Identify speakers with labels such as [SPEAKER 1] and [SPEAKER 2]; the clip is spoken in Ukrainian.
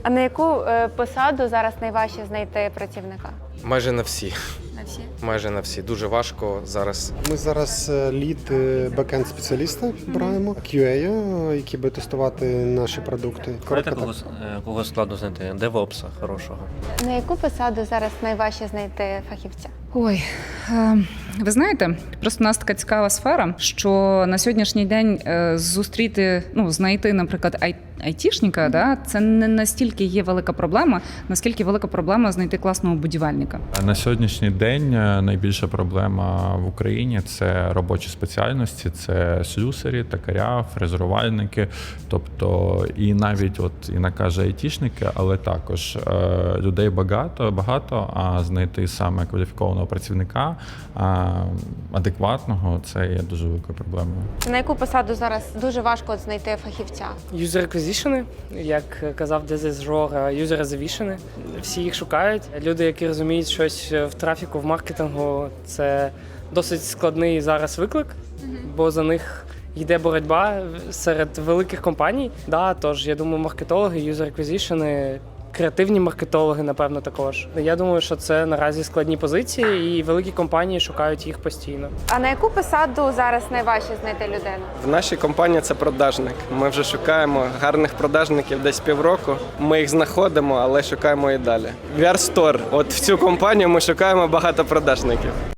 [SPEAKER 1] А на яку посаду зараз найважче знайти працівника?
[SPEAKER 2] Майже на всі.
[SPEAKER 1] На всі?
[SPEAKER 2] Майже на всі. Дуже важко зараз.
[SPEAKER 3] Ми зараз лід бекенд спеціаліста браємо, QA, які буде тестувати наші продукти.
[SPEAKER 4] Знаєте, кого складно знайти? Девопса хорошого.
[SPEAKER 1] На яку посаду зараз найважче знайти фахівця?
[SPEAKER 5] Ой, ви знаєте, просто у нас така цікава сфера, що на сьогоднішній день зустріти, знайти, наприклад, айтішника, да, це не настільки є велика проблема, наскільки велика проблема знайти класного будівельника.
[SPEAKER 6] На сьогоднішній день найбільша проблема в Україні – це робочі спеціальності, це слюсарі, токаря, фрезерувальники, тобто і навіть Інна каже айтішники, але також людей багато, а знайти саме кваліфікованого працівника адекватного – це є дуже великою проблемою.
[SPEAKER 1] На яку посаду зараз дуже важко знайти фахівця?
[SPEAKER 7] User acquisition, як казав Дезис Жора, user acquisition. Всі їх шукають. Люди, які розуміють щось в трафіку, в маркетингу, це досить складний зараз виклик, бо за них йде боротьба серед великих компаній. Да, тож, я думаю, маркетологи, user acquisition, креативні маркетологи, напевно, також. Я думаю, що це наразі складні позиції, і великі компанії шукають їх постійно.
[SPEAKER 1] А на яку посаду зараз найважче знайти людину?
[SPEAKER 8] В нашій компанії це продажник. Ми вже шукаємо гарних продажників десь півроку. Ми їх знаходимо, але шукаємо і далі. VR Store. От в цю компанію ми шукаємо багато продажників.